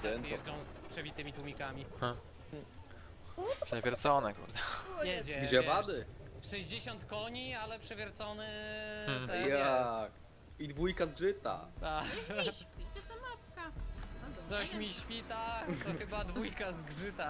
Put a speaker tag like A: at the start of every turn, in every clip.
A: tacy jeżdżą z przewitymi tłumikami.
B: Przewiercone, kurde.
A: Jedzie,
C: Gdzie
A: wiesz,
C: wady?
A: 60 koni, ale przewiercony
B: Hmm.
A: ten jest.
C: Jak? I dwójka zgrzyta.
A: Tak.
D: Nie śpi, to ta mapka. No dobra.
A: Coś mi świta, to chyba dwójka zgrzyta.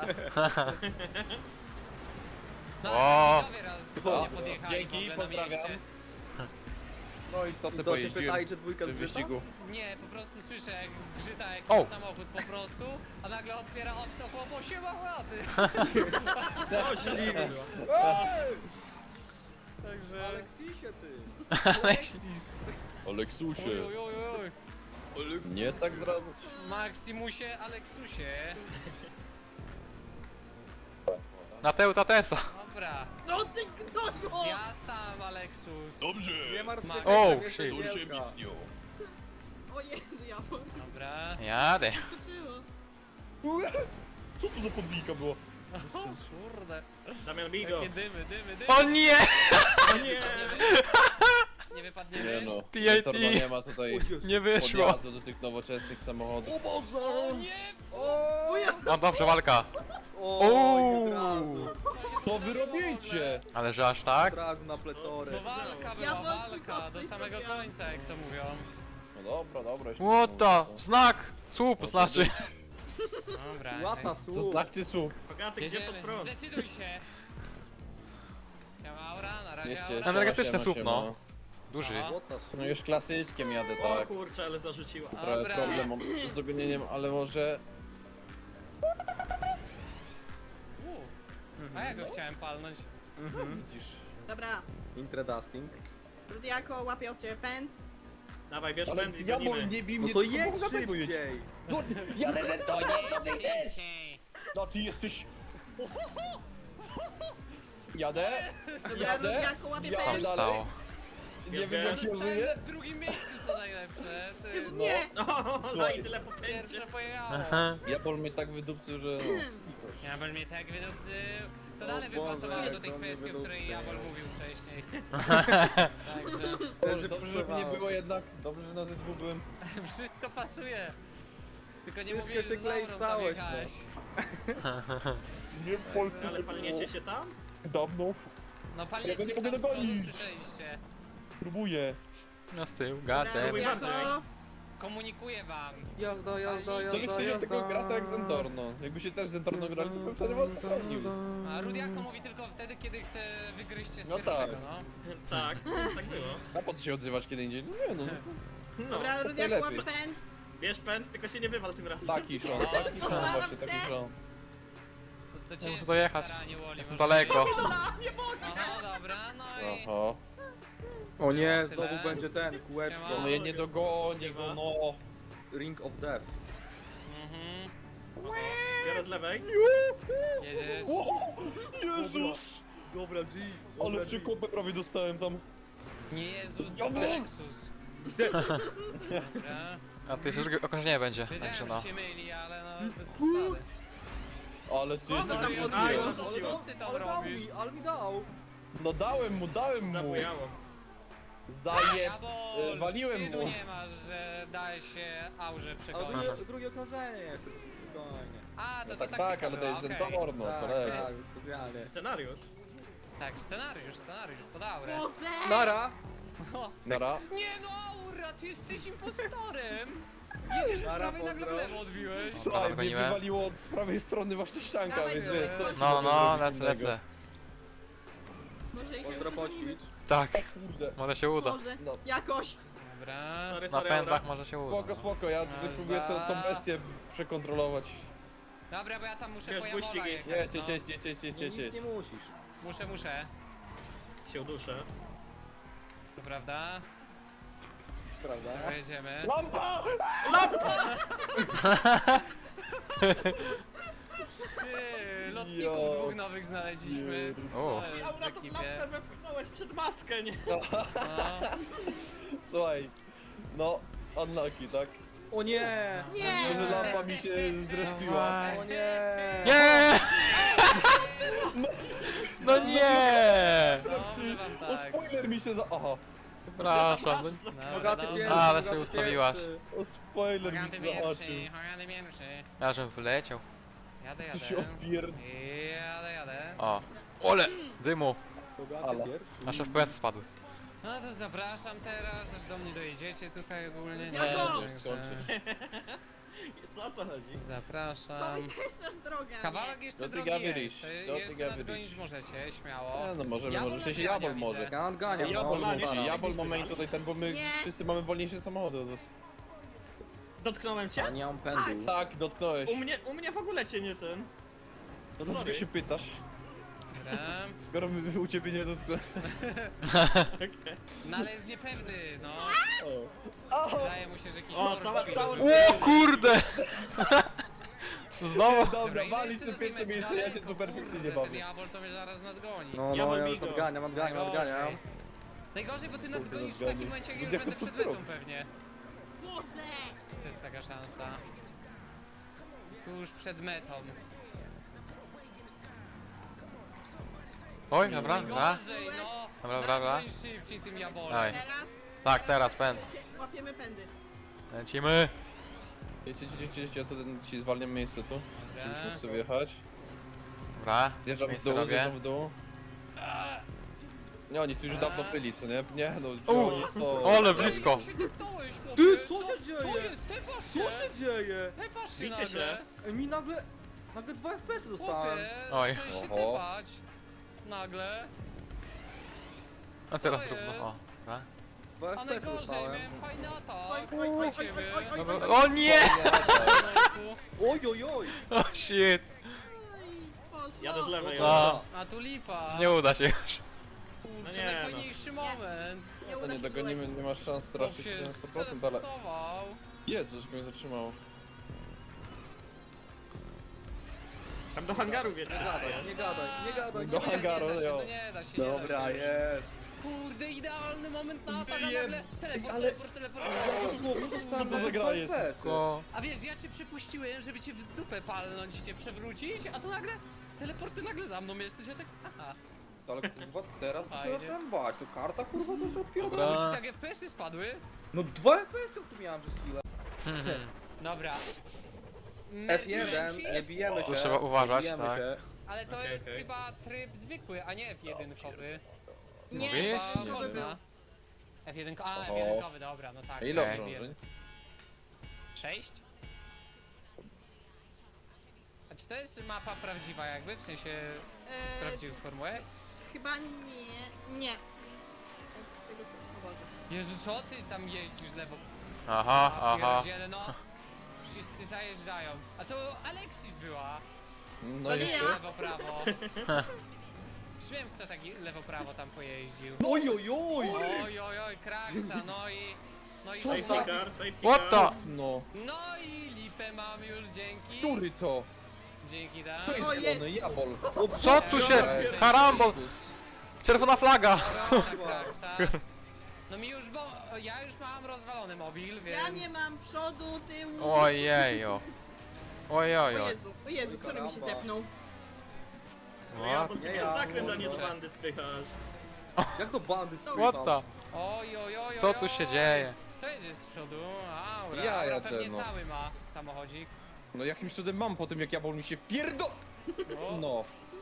A: No
B: O!
A: ale widzowie raz do mnie podjechali
E: Dzięki,
A: w ogóle
E: pozdrawiam.
A: na mieście.
E: No i to
C: I
E: sobie
C: co się
E: pojeździłem
C: pytali, czy dwójka
E: w tym
C: zgrzyta?
E: wyścigu.
A: Nie, po prostu słyszę jak zgrzyta jakiś
B: O!
A: samochód po prostu, a nagle otwiera okno chłopo, siema łady.
C: O, zimno.
A: Także...
C: Aleksisie, ty.
A: Aleksis.
E: Aleksusie,
A: Oj, oj, oj, oj.
E: nie tak zdradzać.
A: Maximusie, Aleksusie.
B: Na Teuta Tesa.
A: Dobra,
D: No ty gnoju!
A: zjazd tam, Aleksus.
E: Dobrze!
C: Nie martw się,
A: O,
C: nie
B: shit.
C: wielka.
E: To się mi śniło.
D: O Jezu, ja
A: Dobra.
B: Jadę.
D: podskoczyło.
E: Co to za podbijka była?
A: Kurde.
F: Damian Bigo.
A: Jakie dymy, dymy.
B: O nie!
F: O nie!
A: Nie wypadniemy?
E: Nie no,
B: PIT.
E: Torno nie ma tutaj
B: Nie wyszło.
E: podjazdu do tych nowoczesnych samochodów.
C: O Boże!
A: O nie!
C: O,
B: No dobrze, walka.
C: Oj, od razu.
E: To wy robicie!
B: Ale że aż tak?
C: Od razu na plecory.
A: No walka była,
D: Ja wątpię,
A: walka, do
D: cosplay
A: samego
D: zrobiłam.
A: końca, jak to mówią.
E: No dobra, dobra. już
B: What
E: nie
B: the?
E: mówię.
B: Znak! Słup znaczy.
A: Dobra,
C: Łapa
A: jest.
E: To
C: słup.
E: znaczy słup.
F: Bogaty, gdzie pod
A: Jedziemy,
F: prąd?
A: zdecyduj się. Ja Aura, na razie
E: Wiecie,
A: Aura.
B: Energetyczny słup, no. Duży.
A: Aha.
C: Złota słup.
E: No już klasyczkiem jadę,
F: O
E: tak.
F: kurczę, ale zarzuciła.
E: Trochę
A: Dobra.
E: problem mam z dogonieniem, ale może...
A: A ja go chciałem palnąć.
E: Widzisz...
D: Dobra,
C: Intredusting.
D: Rudiako łapie od ciebie pęd.
F: Dawaj, bierz
E: Ale
F: pęd i
E: ja
F: gonimy.
E: nie bij
C: No
E: mnie,
C: to
E: tylko
C: jedź
E: bogatego jedź.
C: szybciej.
E: No, jadę ze
A: To
E: tobą,
A: nie szybciej.
E: No ty jesteś... Jadę,
D: Dobra,
E: jadę,
D: Rudiako łapie
E: jadę
B: Tam
D: pęd.
E: dalej.
B: stało.
E: Nie wiem jak się
A: Zostałem
E: żyje.
A: na drugim miejscu, co najlepsze. Ty,
D: Nie!
F: O, no
E: Słuchaj.
F: i tyle po pędzie.
A: pierwsze pojechało.
E: Jabol mnie tak wydupcył, że...
A: Jabol mnie tak wydupcył. To
C: O
A: dalej by
C: Boże,
A: pasowało do
C: jak
A: tej
C: on mnie
A: kwestii, o której
C: wydupcył.
A: Jabol mówił wcześniej. Także
E: Dobrze, dobrze, żeby nie było jednak. Dobrze, że na Z2 byłem.
A: wszystko pasuje. Tylko nie
C: Wszystko
A: mówisz,
C: się
A: że
C: klei w
A: Zaurą tam
C: całość,
A: jechałeś.
E: Nie w Polsce.
F: Ale palniecie się tam?
E: Dawno.
A: No panie,
E: Ja go nie
A: tam
E: mogę
A: z przodu
E: dogonić.
A: słyszeliście.
E: Próbuję.
B: Na z tyłu,
D: Dobra,
B: gadem.
D: Rudiako.
A: Komunikuję wam.
C: Jazda, jazda, jazda,
E: Chcieliście
C: jazda.
E: tylko grata jak Zentorno. Jakby się też Zentorno grali, to bym wtedy was sprawdził.
A: A Rudiako mówi tylko wtedy, kiedy chce wygryźć cię z
E: No
A: pierwszego,
E: tak.
A: no.
F: Tak, tak było.
E: A po co się odzywasz kiedy indziej? No nie no.
F: No,
D: Dobra, Rudiako
E: najlepiej.
D: łapie pęd.
F: bierz pęd, tylko się nie wywal tym razem.
E: Taki szon, taki szon właśnie, taki szon.
A: To
B: Muszę
A: ciężkie
B: dojechać.
A: staranie, Woli,
B: Jestem
A: może
B: daleko.
A: być. Aha, dobra, no i...
E: Oho.
C: O nie,
A: Tyle.
C: znowu będzie ten, kółeczko.
E: No ja nie dogonię go, no.
C: Ring of Death.
A: Mhm.
F: Biorę z lewej.
A: Jedziesz.
E: Jezus!
C: Dobra, G.
E: Ale przekopę prawie dostałem tam.
A: Nie Jezus, to
E: Dobra.
A: Lexus. Dobra.
B: A ty już okrążenie będzie. Także
A: Wiedziałem,
B: no.
A: że się myli, ale no bez przesady.
E: Ale ty...
D: O, dobra,
E: ty-
F: Aj,
A: Co
F: zarzuciło.
A: ty tam
C: Ale dał
A: robisz?
C: mi, ale mi dał.
E: No dałem mu.
F: Zabujało.
E: Zajeb...
A: bo
E: waliłem
A: wstydu
E: mu.
A: nie masz, że dałeś się aurze
C: Ale
A: przegonić.
C: drugie okrążenie, spokojnie.
A: A, to
E: No
A: to
E: tak,
A: taktyka
E: tak, ale to
A: była,
E: jest
A: okej.
E: Zentorno,
C: Tak,
E: kolega.
C: tak, specjalnie.
F: Scenariusz.
A: Tak, scenariusz pod aurę.
D: Boże!
C: Nara!
A: O,
E: Nara.
A: nie no, aura, ty jesteś impostorem! Jedziesz z
C: Nara,
A: prawej, nagle w
C: pozdro.
A: lewo odbiłeś.
E: Słuchaj, mnie
B: dogoniłem.
E: wywaliło z prawej strony właśnie ścianka,
D: Dawaj,
E: więc
D: dawaj,
E: wiesz, co
D: dawaj.
E: ci
B: No,
E: mogę
B: no,
E: zrobić
B: lecę,
E: innego?
B: lecę.
D: Może ich
C: Pozdro poćwicz.
B: Tak,
E: Kurde.
B: może się uda.
D: Może,
E: No.
D: jakoś.
A: Dobra.
F: Sorry,
B: Na
F: sorry,
B: pędach
F: Aura.
B: może się uda.
E: Spoko,
B: no.
E: spoko, ja tutaj
A: Jazda.
E: próbuję tą bestię przekontrolować.
A: Dobra, bo ja tam muszę
F: Wiesz,
A: po Jawola
F: buścigi.
A: jechać,
E: Jedźcie,
A: no.
E: jedźcie, jedźcie, jedźcie,
C: Nic
E: jedźcie.
C: nie musisz.
A: Muszę.
F: Się uduszę.
A: To prawda?
C: Prawda?
A: Dobra, jedziemy.
E: Lampa!
A: Ty, lotników
E: Jo.
A: dwóch nowych znaleźliśmy.
B: O.
A: To jest
F: Aura,
A: w
F: tą
A: ekipie.
F: lampę wepchnąłeś przed maskę, nie?
A: No.
E: Słuchaj, no, unlucky, tak?
C: O nie!
D: Nie!
E: Może lampa mi się zrespiła.
C: O nie!
B: Nie! No nie!
A: Dobrze wam
E: O,
A: tak.
E: spoiler mi się za... Aha.
B: Przepraszam.
C: Bogaty
A: dobra.
C: pierwszy,
B: Ale
C: bogaty
B: się ustawiłaś.
C: pierwszy.
E: O, spoiler mi
A: Hogaty
E: zobaczył.
A: pierwszy, Hogaty pierwszy.
B: Ja żem wyleciał.
A: Jadę,
E: Co się
A: jadę.
E: odpierd...
A: Jadę.
B: O. Ole! Dymu!
C: Bogaty
E: Ale.
C: pierwszy.
B: Nasze FPS spadły.
A: No to zapraszam teraz, aż do mnie dojedziecie tutaj ogólnie.
D: Jako!
A: Także
F: Co o co chodzi?
A: zapraszam.
D: Powiesz drogę.
A: Kawałek jeszcze
E: Do
A: drogi
E: Tyga
A: jest.
E: Wyryś,
A: To
E: do
A: jeszcze
E: Tyga
A: nadgonić
E: Wyryś.
A: możecie, śmiało.
E: No możemy,
A: Jabol
E: może. W sensie
A: nadgania,
E: Jabol może.
A: widzę.
C: Ja odganiam,
E: Jabol
C: no.
F: nie, nie.
E: Jabol ma main tutaj ten, bo my
D: Nie.
E: wszyscy mamy wolniejsze samochody od nas.
F: Dotknąłem cię?
C: Ja nie mam pędu.
E: Tak, dotknąłeś.
F: U mnie w ogóle cię nie ten.
E: No dlaczego
F: Sorry.
E: się pytasz?
A: Dobra.
E: Skoro my u ciebie nie dotknąłem.
A: No ale jest niepewny, no.
E: O.
A: Wydaje mu się, że jakiś
F: O,
A: horror
F: cała-
A: film
F: cała-
A: był.
B: O kurde! Znowu!
E: Dobra,
A: ile
E: walić
A: jeszcze
E: to
A: do tej
E: pierwsze
A: mety
E: miejsce, ja się
A: daleko?
E: tu perfekcyjnie
A: Kurde,
E: bawię.
A: Ten Jabol to mnie zaraz nadgoni.
C: No,
F: Ja
C: no,
F: mam
C: ja już
F: migo.
C: odganiam.
A: Najgorzej. Najgorzej, bo ty nadgonisz w
E: nadgoni.
A: takim momencie, jak już
E: Gdzie
A: będę
E: to
A: przed
E: co
A: metą
E: ty
A: pewnie.
D: Boże!
A: To jest taka szansa. Tuż przed metą.
B: Oj, dobra, dobra.
A: Najgorzej, no.
B: Dobra, dobra, dobra.
A: Nadgoń szybciej tym Jabolem.
B: Dawaj.
D: Teraz
B: Tak, teraz pęd.
D: łapiemy pędy.
B: Lecimy.
E: Wiecie, ja to ten ci zwalniam miejsce tu. Żebyś mógł
A: Dobra.
E: sobie jechać.
B: Dobra.
E: Zjeżdżam w
B: Miejsce
E: dół,
B: robię.
E: zjeżdżam w dół. Nie, oni tu już dawno byli, co nie? Nie, no, gdzie
B: U,
E: oni są?
B: ale blisko.
A: Jak się depnąłeś, chłopie?
C: Ty, co się dzieje?
A: Co jest? Tepasz
C: Co
A: się?
C: się dzieje?
A: Tepasz się
F: Bicie
A: nagle.
F: się.
C: Ej, mi nagle 2 FPS dostałem.
A: Chłopie,
B: Oj.
A: zacząłeś się
E: Oho.
A: tepać. Nagle.
B: A teraz
A: Co
B: równo. O,
A: jest?
B: dobra.
C: 2
A: A
C: FPS
A: najgorzej,
C: dostałem.
A: miałem fajny atak.
D: Oj, oj, oj, oj, oj, oj, oj,
B: Dobra.
D: oj,
B: O nie!
C: Oj, oj, oj.
B: O shit!
D: poszło.
F: Jadę z lewej.
B: No,
A: A tu lipa.
B: nie uda się już.
A: Kurczę,
F: No nie, no.
A: najfajniejszy moment.
D: Nie
E: To
D: uda
E: nie
D: się
E: dogonimy, nie masz szans
A: Chłop
E: raczej
A: się
E: na 100%, ale...
A: steleportował.
E: Jezu, że mnie zatrzymało.
F: Tam do hangaru wiecie.
C: Nie gadaj, nie gadaj.
E: Do
C: Nie
E: hangaru,
A: nie da się,
E: jo.
A: no nie da się,
C: Dobra,
A: nie da się.
C: jest.
A: Kurde, idealny moment na atak, a
E: Wiem.
A: nagle teleport,
C: ale-
A: teleport.
C: Ja dosłownie dostałem
E: Co to za gra
C: 2
E: jest?
C: FPS-y.
B: Ko...
A: A wiesz, ja cię przypuściłem, żeby cię w dupę palnąć i cię przewrócić, a tu nagle teleporty nagle za mną jesteś, ja tak, aha.
C: Ale kurwa, teraz to się
A: Fajnie.
C: zacząłem bać. To karta kurwa to się odpierdala.
B: Dobra.
A: Bo ci tak FPS-y spadły?
C: No 2 FPS-y tu miałem przez chwilę.
A: Dobra.
C: F1,
A: Męci?
C: nie bijemy się.
B: Tu trzeba uważać,
C: nie bijemy
B: tak.
C: się.
A: Ale to
F: Okej,
A: jest
F: okej.
A: chyba tryb zwykły, a nie F1-kowy.
D: Nie,
B: Mówisz?
A: Chyba
B: Nie
A: można. F1, a
E: Oho.
A: F1-kowy, dobra, no tak.
E: A ile
B: Okej.
E: okrążeń?
A: 6? A czy to jest mapa prawdziwa jakby? W sensie z prawdziwych formułek?
D: Chyba nie. Nie. Z tego co- o Boże.
A: Jezu, co ty tam jeździsz lewo?
B: Aha,
A: A,
B: aha.
A: pierdziele, no. Wszyscy zajeżdżają. A to Alexis była.
E: No
D: To nie
E: jeszcze?
D: ja.
A: Lewo, prawo. Już wiem, kto taki lewo, prawo tam pojeździł.
C: Oj, oj, oj.
A: Oj, oj, oj, Kraksa, no i... No i...
F: Safety car, safety
B: What
F: car.
B: the?
E: No.
A: No i lipę mam już, dzięki.
E: Który to?
A: Dzięki,
E: To
A: tak.
E: jest zielony jabol.
B: Co tu się... Karambol! Czerwona flaga!
A: Kraksa, Kraksa. No mi już, bo ja już mam rozwalony mobil, więc...
D: Ja nie mam przodu, tyłu.
B: Ojejo.
D: O
B: Ojejo.
D: Jezu, który mi się
C: Karamba.
D: tepnął.
F: No ja, bo
C: Nie
F: ty
C: ja.
F: zakręt, a nie do
A: Kurczę.
F: bandy spychasz.
C: Jak to bandy
B: What the?
A: Oj, oj, oj,
B: Co
A: oj,
B: tu się
A: oj.
B: dzieje?
A: To jedzie z przodu, aura,
E: Ja
A: aura
E: jadę,
A: pewnie
E: no.
A: cały ma samochodzik.
E: No jakimś cudem mam po tym, jak jabol mi się wpierdo...
A: O,
E: No.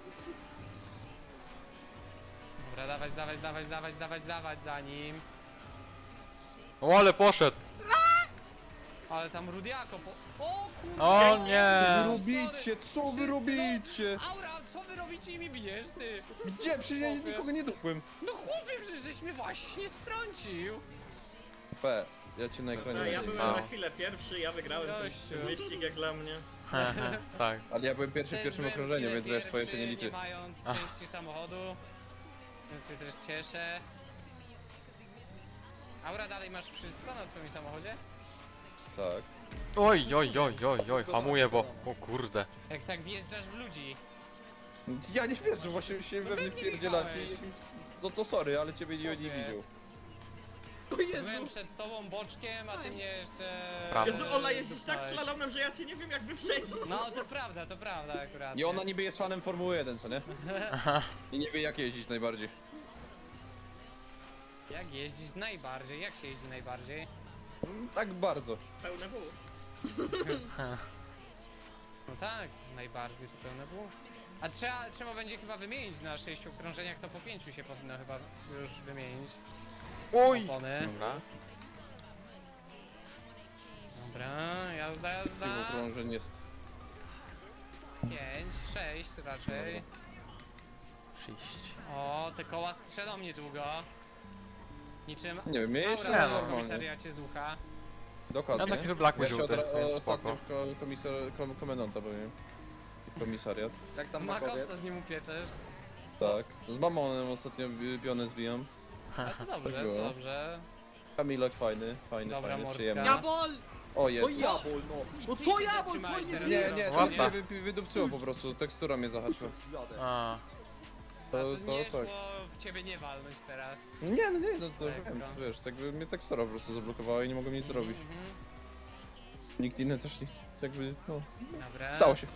A: Dobra, dawać za nim.
B: O, ale poszedł.
A: Ale tam Rudiako po... O kurde!
B: O
E: Co
B: nie.
E: wy robicie? Co wy
A: Wszyscy,
E: robicie?
A: no, Aura, co wy robicie i mi bijesz, ty?
E: Gdzie? Przecież ja nikogo nie dupłem.
A: No chłopie, przecież żeś mnie właśnie strącił.
E: P. Ja cię na ekranie
F: No, ja
E: widzę.
F: byłem
B: A.
F: na chwilę pierwszy, ja wygrałem
A: Gościu.
F: ten wyścig jak dla mnie.
B: Tak.
E: Ale ja byłem pierwszy w
A: Też
E: pierwszym
A: byłem
E: okrążeniu,
A: chwilę
E: więc wiesz, twoje się nie
A: pierwszy,
E: liczy.
A: Nie mając
B: Ach.
A: części samochodu, więc się też cieszę. Aura, dalej masz wszystko na swoim samochodzie?
E: Tak.
B: Oj, oj, oj, oj, oj, hamuję, bo... O kurde.
A: Jak tak wjeżdżasz w ludzi.
E: Ja nie wierzę, właśnie się we mnie
A: pewnie
E: wpierdzielacie.
A: wjechałeś.
E: No to sorry, ale ciebie nie
A: Okej.
E: widział.
D: O
A: Byłem
D: Jezu.
A: przed tobą boczkiem, a ty mnie jeszcze...
B: Prawo.
F: Jezu, Ola jeździsz tak
A: Dostałeś.
F: slalomem, że ja cię nie wiem jak wyprzedzić.
A: No to prawda akurat.
E: I ona niby jest fanem Formuły 1, co nie? I nie wie jak jeździć najbardziej.
A: Jak jeździć najbardziej? Jak się jeździ najbardziej?
E: Tak bardzo.
F: Pełne W.
A: No tak, najbardziej to pełne było. A trzeba będzie chyba wymienić na 6 okrążeniach, to po 5 się powinno chyba już wymienić.
B: Uj!
A: Opony.
B: Dobra.
A: Dobra, jazda,
E: Tych
A: jazda.
E: okrążeń jest.
A: 5, 6 raczej.
B: 6.
A: O, te koła strzelą niedługo. Niczym
E: Nie wiem, mnie jeszcze
A: aura na
E: normalnie.
A: komisariacie z ucha.
E: Dokładnie.
B: Ja taki wyblakły
E: Ja się
B: żółty, więc
E: ostatnio
B: spoko.
E: w komendanta byłem. I w komisariat.
C: Jak tam makowiec?
A: Makowca z nim upieczesz.
E: Tak. Z mamonem ostatnio pionę zbijam.
A: A to dobrze,
E: Tak było.
A: dobrze.
E: Kamilek fajny,
A: Dobra,
E: fajny,
A: mordka.
E: przyjemny.
D: Jabol!
E: O
C: Co
E: Jezu.
C: jabol, no? No
A: Ty
C: co
A: się
C: jabol,
A: zatrzymałeś
C: co
A: teraz.
E: Nie, nie, to
B: Łapa.
E: mnie wydupcyło po prostu, tekstura mnie zahaczyła.
C: Jadę.
B: A,
A: To nie
E: tak.
A: szło w ciebie nie walnąć teraz.
E: Nie, no nie, no to
A: Lekko.
E: wiem, wiesz, tak by mnie tekstura po prostu zablokowała i nie mogłem nic zrobić.
A: Mhm.
E: Nikt inny też nie, jakby, no,
A: Dobra.
E: stało się.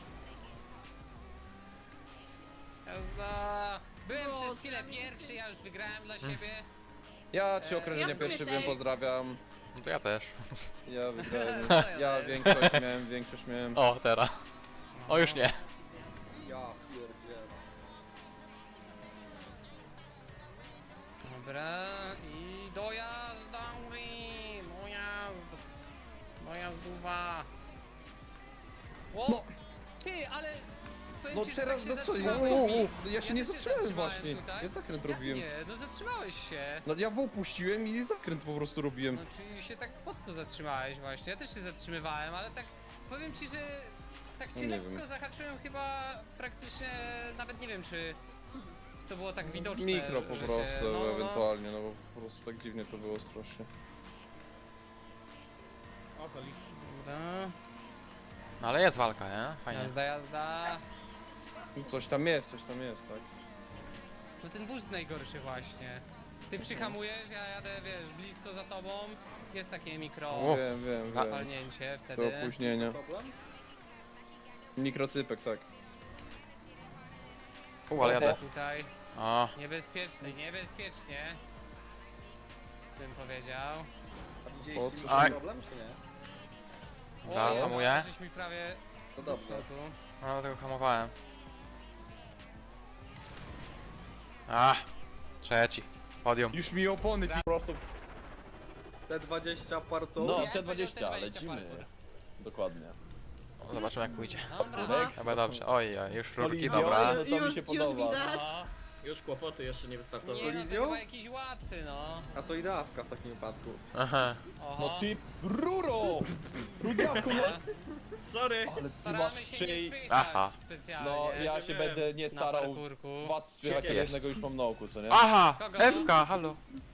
A: Jazda. Byłem
D: No,
A: przez chwilę pierwszy, ja już wygrałem dla siebie.
E: Ja 3 okrążenia
D: Ja w
E: pierwszy
D: sumie
E: byłem,
D: też.
E: pozdrawiam.
B: no to ja też.
E: Ja wygrałem,
A: Co ja
E: ja
A: wiem?
E: większość miałem.
B: O, teraz. O, już nie.
C: Ja pierdzielę.
A: Dobra, i dojazd, Auri! Dojazd! Dojazdowa! O! Ty, ale... powiem
E: No
A: ci, że
E: teraz,
A: tak
E: no
A: się
E: co,
A: zatrzymałem.
E: ja się
A: Ja
E: nie
A: też się
E: zatrzymałem
A: zatrzymałem
E: właśnie.
A: tutaj.
E: Ja zakręt
A: Jak
E: robiłem.
A: nie? No zatrzymałeś się.
E: No ja puściłem i zakręt po prostu robiłem.
A: No czyli się tak mocno zatrzymałeś właśnie. Ja też się zatrzymywałem, ale tak powiem ci, że tak cię
E: No nie
A: lekko
E: wiem.
A: zahaczyłem chyba praktycznie, nawet nie wiem czy to było tak widoczne.
E: Mikro po
A: że
E: prostu,
A: się, no.
E: ewentualnie, no bo po prostu tak dziwnie to było strasznie.
F: O, to liczy.
A: Dobra.
B: No ale jest walka, nie? Fajnie.
A: Jazda, jazda.
E: Coś tam jest, tak.
A: No ten boost najgorszy właśnie. Ty przyhamujesz, ja jadę, wiesz, blisko za tobą. Jest takie mikro
B: O.
E: Wiem,
A: walnięcie
E: To
A: wtedy.
E: opóźnienia.
C: Problem?
E: Mikrocypek, tak.
B: Ale jadę.
A: Tutaj
B: O,
A: niebezpiecznie, niebezpiecznie. Bym powiedział.
C: A
E: O,
C: widzieliście
E: co?
C: duży
B: Aj.
C: problem, czy nie?
B: dobra,
A: Jezu,
B: hamuję.
A: żeś mi prawie
C: To dobrze.
A: tu.
B: No, dlatego hamowałem. A, trzeci. Podium.
E: Już mi opony
C: Po prostu T20 parco.
E: No,
A: Ja powiedział
E: T20,
A: T20
E: lecimy.
A: parkour.
E: Dokładnie.
B: O, zobaczymy jak pójdzie.
A: Dobra.
B: Chyba dobrze. Oj, oj, już rurki,
E: Kolizją.
B: dobra.
E: No to mi się podoba.
D: Już widać.
A: No.
F: Już kłopoty jeszcze nie wystartowały.
A: Nie, no to
C: Kolizją?
A: chyba jakiś łatwy, no.
C: A to ideawka w takim wypadku.
B: Aha.
A: Oho.
E: No ty ruro! Rudaku, no!
F: Sorry!
A: Staramy się nie spychać
B: Aha.
A: specjalnie.
E: No ja się będę nie
A: na
E: starał
A: parkurku.
E: was spychać,
B: Jest.
E: jednego już mam na oku, co nie?
B: Aha!
A: Kogo?
B: Ewka, halo.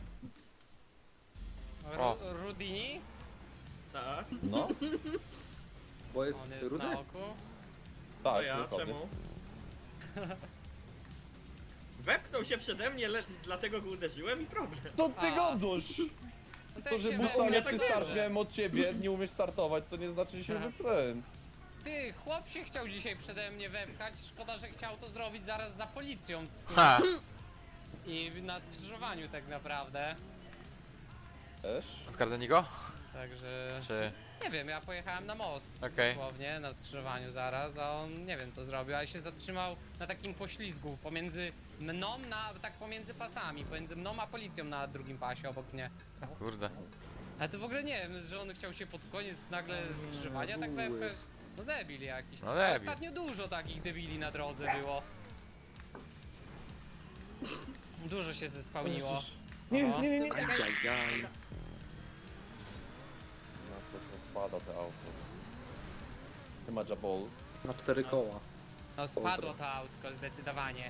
B: O.
A: Rudini?
F: Tak,
E: No,
C: Bo
A: On
C: jest
A: jest
C: rudy?
A: na oku.
F: to
E: tak,
F: ja,
E: dokładnie.
F: czemu? Wepchnął się przede mnie, dlatego go uderzyłem i problem.
E: To ty
A: A.
E: godosz!
A: No
E: To, że
A: się
E: busta
F: u mnie
E: lepszy
F: tak
E: start
F: bierze.
E: miałem od ciebie, nie umiesz startować, to nie znaczy, że się
A: Aha.
E: wypłem.
A: Ty, chłop się chciał dzisiaj przede mnie wepchać. Szkoda, że chciał to zrobić zaraz za policją.
B: Ha!
A: I na skrzyżowaniu tak naprawdę.
E: Też?
B: Zgardzeni go?
A: Także...
B: Czy...
A: Nie wiem, ja pojechałem na most,
B: Okej.
A: dosłownie, na skrzyżowaniu zaraz, a on nie wiem co zrobił, ale się zatrzymał na takim poślizgu pomiędzy mną, tak pomiędzy pasami, pomiędzy mną a policją na drugim pasie obok mnie.
B: Kurde.
A: Ale to w ogóle nie wiem, że on chciał się pod koniec nagle skrzyżowania tak wepchać. No debil jakiś.
B: No
A: A
B: debil.
A: ostatnio dużo takich debili na drodze było. Dużo się zespałniło.
E: Nie,
A: Oho.
E: nie, nie, nie.
C: Ajajaj.
E: No co to spada te auto. Nie ma jabol.
C: Na 4 koła.
A: No spadło to autko zdecydowanie.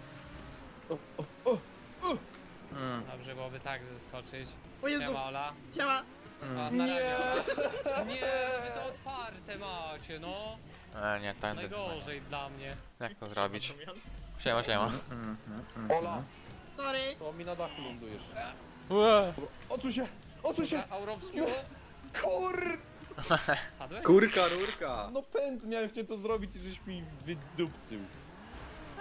B: Mm.
A: Dobrze byłoby tak zeskoczyć.
D: O Jezu,
A: Siema Ola.
D: ciała.
A: O, na razie. Nie, wy to otwarte macie, no.
B: Nie, tak.
A: Najgorzej dla mnie.
B: Jak to zrobić?
F: Damian.
B: Siema, siema.
E: Ola,
D: Sorry.
E: to mi na dachu lądujesz.
B: Ue.
E: Odsuń się! Odsuń się!
A: Dobra, Aurowski,
E: Kur...
A: spadłeś?
C: Kurka, rurka.
E: No pęd, miałem chcieć to zrobić i żeś mi wydupcył.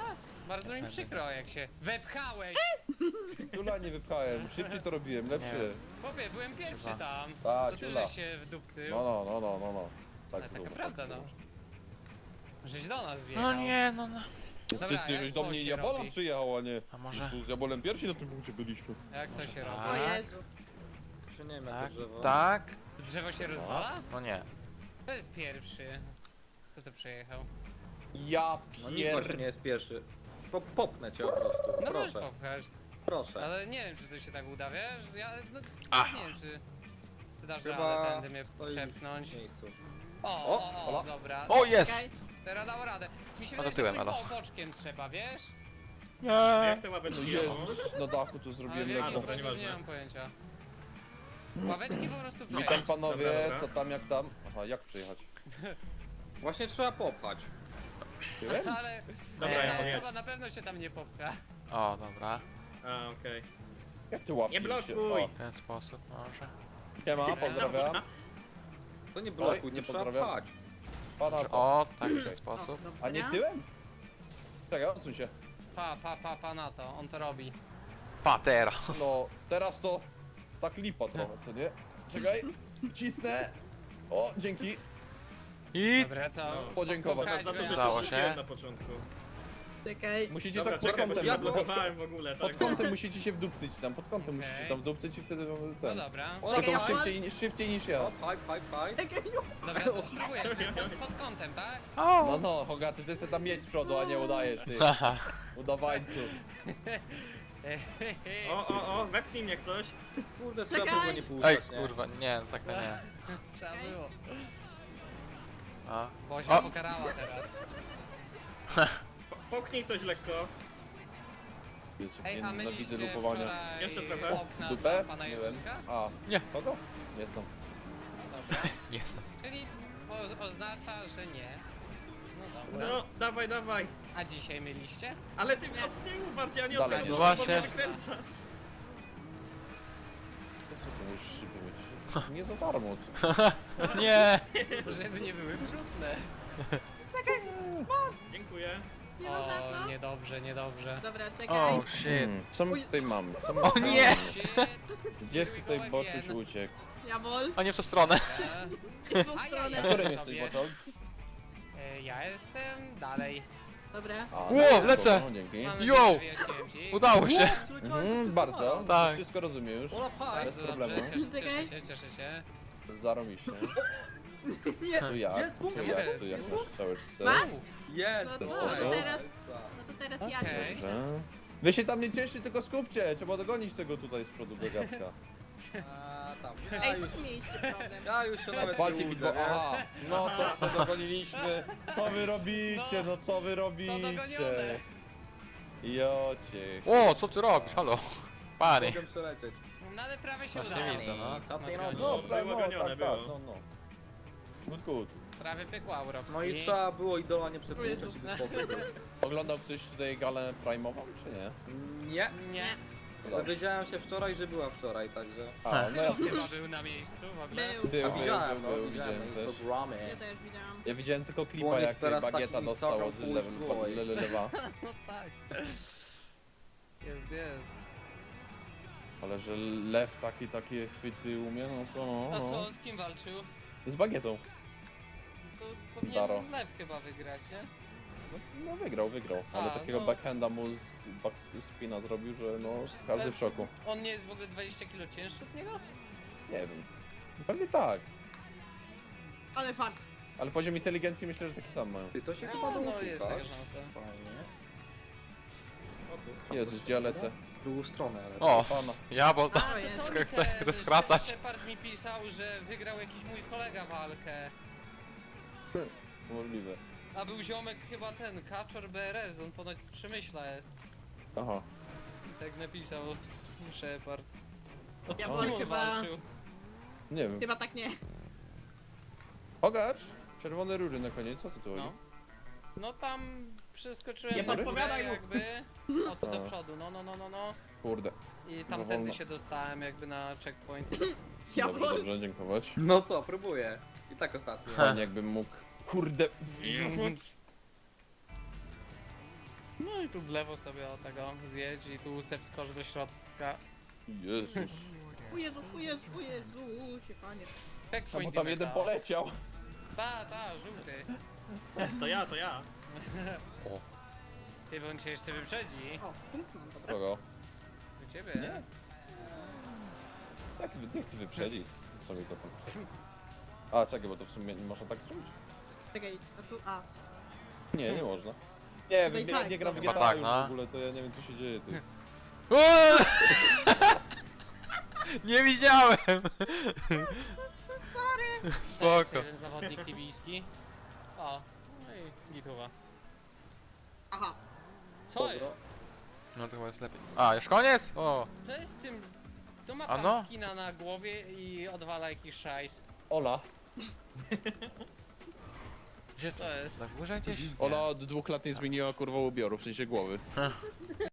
A: Bardzo mi przykro, jak się wepchałeś.
E: Tula nie wypchałem, szybciej to robiłem, lepszy.
A: Chłopie, byłem pierwszy
B: Chyba.
A: tam.
E: Tak,
A: To ty
E: Tula.
A: żeś się wdupcył.
E: No. Tak,
A: Ale
E: to
A: taka
E: było.
A: prawda, no. Żeś do nas wjechał.
B: No nie, no.
A: Dobra,
E: Ty
A: jak
E: żeś do
A: to
E: mnie
A: się
E: Jabola
A: robi?
E: przyjechał, a nie.
B: A może...
E: Tu z Jabolem pierwsi na tym punkcie byliśmy.
A: Jak to się robi?
D: O
B: Tak,
D: Jezu.
C: Czy nie wiem jak
B: tak,
C: to drzewo.
B: tak.
A: Drzewo się rozwala?
B: No nie.
A: To jest pierwszy. Kto to przejechał?
E: Ja
C: No nikt właśnie nie jest pierwszy. Popnę cię po prostu.
A: No możesz
C: Proszę,
A: popchać.
C: proszę.
A: Ale nie wiem, czy to się tak uda, wiesz? Ja no,
B: Ach.
A: nie wiem, czy ty dasz
C: Chyba
A: radę tędy mnie
C: stoi
A: przepchnąć.
C: w miejscu.
A: O, dobra.
B: O, jest!
D: Okej.
A: Teraz dał radę. Mi się
B: No
A: wydaje,
B: to
A: że
B: tyłem,
A: jakoś
B: elo.
A: boczkiem trzeba, wiesz?
F: Jak te
E: No
F: ławeczki
E: Jezus, na dachu to
A: Ale
E: zrobiłem
A: w jaki
E: lekko.
F: dobra,
A: sposób nie
F: nieważne.
A: mam pojęcia. Ławeczki po prostu
E: Witam
A: przejść.
E: panowie,
F: Dobra.
E: co tam, jak tam? Aha, jak przyjechać?
C: Właśnie trzeba popchać.
A: Ale
F: Dobra,
A: jedna
F: ja
A: osoba
F: jedź.
A: na pewno się tam nie popcha.
B: O, dobra.
F: A, okej.
E: Jak ty ławki
F: Nie blokuj!
E: się-
B: W ten sposób może.
E: O, siema, pozdrawiam.
C: To nie blokuj,
E: Oj,
C: nie trzeba
E: pozdrawiam.
C: pchać.
E: Pana,
B: O, tak, w ten
C: Okej.
B: sposób.
E: a nie tyłem? Czekaj, odsuń się.
A: Pa na to, on to robi.
B: Patera.
E: No, teraz to tak lipa trochę, co nie? Czekaj, cisnę. O, dzięki.
B: I...
A: Dobra, co?
E: Podziękować.
F: Za to, że
B: Udało
F: cię
B: się.
F: rzuciłem na początku.
D: Czekaj.
E: Musicie
F: Dobra,
E: tak pod
F: czekaj, bo się
E: kątem,
F: zablokowałem w ogóle, tak?
E: pod kątem musicie się wdupcyć tam, pod kątem
A: Okej.
E: musicie tam wdupcyć i wtedy
A: No
E: ten.
A: dobra.
C: O,
E: Tylko
D: ja-
E: szybciej niż ja.
C: O, pchaj.
A: Dobra, to spróbuję. Pod kątem, tak?
E: No, no, Hogaty, ty sobie tam jedź z przodu, a nie udajesz, ty.
B: Haha.
E: Udawańcu.
F: O, wepchnij mnie ktoś.
C: Kurde, trzeba
D: Czekaj.
C: było nie
B: Ej,
C: puszczać, nie?
B: kurwa, nie, tak to nie.
A: Trzeba było.
B: A.
A: Bozia
B: O.
A: pokarała teraz.
F: Popchnij ktoś lekko.
E: Wiecie,
A: Ej,
E: nie
A: a
E: nienawidzę
A: myliście
E: lupowania.
A: wczoraj
F: Jeszcze trochę.
A: okna
E: Dupę?
A: dla pana
E: Nie wiem.
A: Jezuska?
E: A,
B: Nie.
E: kogo? Jestem.
A: Dobra.
B: Jestem.
A: Czyli oznacza, że nie. No dobra.
F: No, dawaj.
A: A dzisiaj myliście?
F: Ale ty od tyłu bardziej, a nie
E: Dalej.
F: od
E: No
F: przodu,
B: właśnie.
F: bo mnie wykręca.
E: To co ty musisz szyby mieć? Nie za darmo. co?
B: Nie!
A: Żeby nie były brudne.
F: Dziękuję.
D: Nie ma za
A: O,
D: co.
A: niedobrze.
D: Dobra, czekaj.
B: Oh shit.
E: Co my tutaj mamy? Co my
B: O
E: tutaj
B: nie!
E: mamy?
A: Shit.
E: Gdzie tutaj
A: Here we go
E: Boczuś
A: again.
E: uciekł?
D: Jabol.
B: O nie w tą stronę.
D: I w tą
A: Ajajaj.
D: stronę.
E: Na którym
A: sobie.
E: jesteś, Boczol?
A: Ja jestem dalej.
D: Dobra.
E: A,
B: Ło,
E: no,
B: lecę.
E: no, dzięki.
A: Mam
B: Yo!
A: nadzieję, że wyjaśniłem ci.
B: Udało się.
E: Bardzo.
B: Tak.
E: Wszystko rozumiem już.
C: O, pchaj.
E: Bez
A: Bardzo
E: problemu.
A: dobrze, cieszę
D: Czekaj.
A: się.
E: Zarobiście.
D: Nie.
E: Tu jak?
C: Jest punkt,
E: Tu
A: jest
E: jak? Tu jak
C: punkt.
E: masz całe scenę?
D: Masz?
C: Jest!
D: No
E: ten
D: to
E: sposób.
D: teraz, no to teraz ja
A: Okej.
D: cię.
E: Dobrze. Wy się tam nie cieszcie, tylko skupcie. Trzeba dogonić tego tutaj z przodu gagatka.
C: A, tam.
D: Ej, co tu mieliście problem?
C: Ja już się nawet
E: Walcie
C: nie
E: mi
C: łudzę,
E: bo aha, no to co dogoniliśmy. Co wy robicie, no co wy robicie?
A: dogonione.
E: Jocie.
B: O, co ty robisz? Halo. Panie.
C: Mogę przelecieć.
A: No ale prawie się
B: Właśnie
A: udało.
B: widzę, no.
C: Co ty
A: No,
C: robisz?
E: No,
F: Było gonione,
E: tak,
F: było.
E: tak, no. Good, good.
A: Prawie pykło Aurowski.
C: No i trzeba było idola nie przepuszczać
D: Jezu.
C: i by spokój był.
E: Oglądał ktoś tutaj galę prime'ową, czy nie?
C: Nie.
A: Nie.
C: Dowiedziałem się wczoraj, że była wczoraj, także...
E: A, no ja
A: Chyba był na miejscu w ogóle.
D: Był.
C: Widziałem, no,
E: widziałem
C: widziałem na
E: też.
C: Instagramie.
D: Ja też widziałam.
E: Ja widziałem tylko klipa,
C: Błoń jest
E: jak
C: teraz
E: bagieta
C: takim
E: dostał
C: soką
E: od
C: pół szkło i-
E: lewa.
A: No tak. Jest.
E: Ale że lew takie chwyty umie, no to
A: A
E: no.
A: co, z kim walczył?
E: Z bagietą.
A: To
E: Daro.
A: powinien Lew chyba wygrać, nie?
E: No wygrał, ale
A: A,
E: takiego
A: no.
E: backhanda mu z backspina zrobił, że no każdy w szoku.
A: On nie jest w ogóle 20 kg cięższy od niego?
E: Nie wiem. Pewnie tak.
D: Ale fakt.
E: Ale poziom inteligencji myślę, że taki sam mają.
C: Ty, to się chyba
A: No,
C: było
A: no jest
C: szukać.
A: taka szansa.
C: Fajnie.
E: Jezus, gdzie ja lecę?
C: W drugą stronę, ale...
B: O,
E: Pana.
B: ja bo
A: A,
B: to...
A: to
B: Chcę-
A: mi
B: chcę
A: ten
B: skracać.
A: Shepard mi pisał, że wygrał jakiś mój kolega walkę.
E: Możliwe.
A: A był ziomek chyba ten, Kaczor BRS, on ponoć z Przemyśla jest.
E: Aha.
A: I tak napisał Shepard.
D: Ja
A: Z
D: wolę
A: kim on
D: chyba...
A: walczył?
E: Nie wiem.
D: Chyba tak nie.
E: Pogacz! Czerwone róży na koniec, co ty tu
A: No.
E: chodzi?
A: No tam przeskoczyłem
F: Nie
A: na górę
F: podpowiadaj mu.
A: jakby. O tu do
E: A.
A: przodu, no.
E: Kurde.
A: I
E: Za
A: tamtędy
E: wolno.
A: się dostałem jakby na checkpoint.
E: Dobrze, dobrze, dziękować.
C: No co, próbuję. I tak ostatnio.
E: Fajnie jakbym mógł. Kurde.
A: No i tu w lewo sobie o tego zjedź i tu se wskocz do środka.
E: Jezus.
D: O Jezu, o Jezu, o Jezu, się panie.
E: A bo
A: Checkpoint
E: tam jeden poleciał.
A: Ta, żółty.
F: To ja.
A: Ty, bo on cię jeszcze wyprzedzi.
D: O, punkt mam, dobra.
E: Kogo?
A: U ciebie.
E: Nie. Tak, nie chcę wyprzedzić. Co mi to tam... A, czekaj, bo to w sumie nie można tak zrobić?
D: Czekaj, a tu, a.
E: Nie można. Nie
D: Tutaj
E: wiem,
D: tak,
E: nie gram w
B: chyba
E: GTA
B: tak,
E: już
B: no.
E: w ogóle, to ja nie wiem co się dzieje, ty.
B: Uuu! Nie widziałem! Spoko.
A: Jeden zawodnik libijski. O, no i gituwa.
D: Aha.
A: Co
E: Pozdro.
A: jest?
B: No to chyba jest lepiej. A, już koniec? O!
A: To jest z tym... To ma
B: A no?
A: kina na głowie i odwala jakiś szajs.
E: Ola.
B: Gdzie to?
A: To jest...
B: Na górze gdzieś? Nie.
E: Ola od 2 lat nie zmieniła kurwa ubioru, w sensie głowy.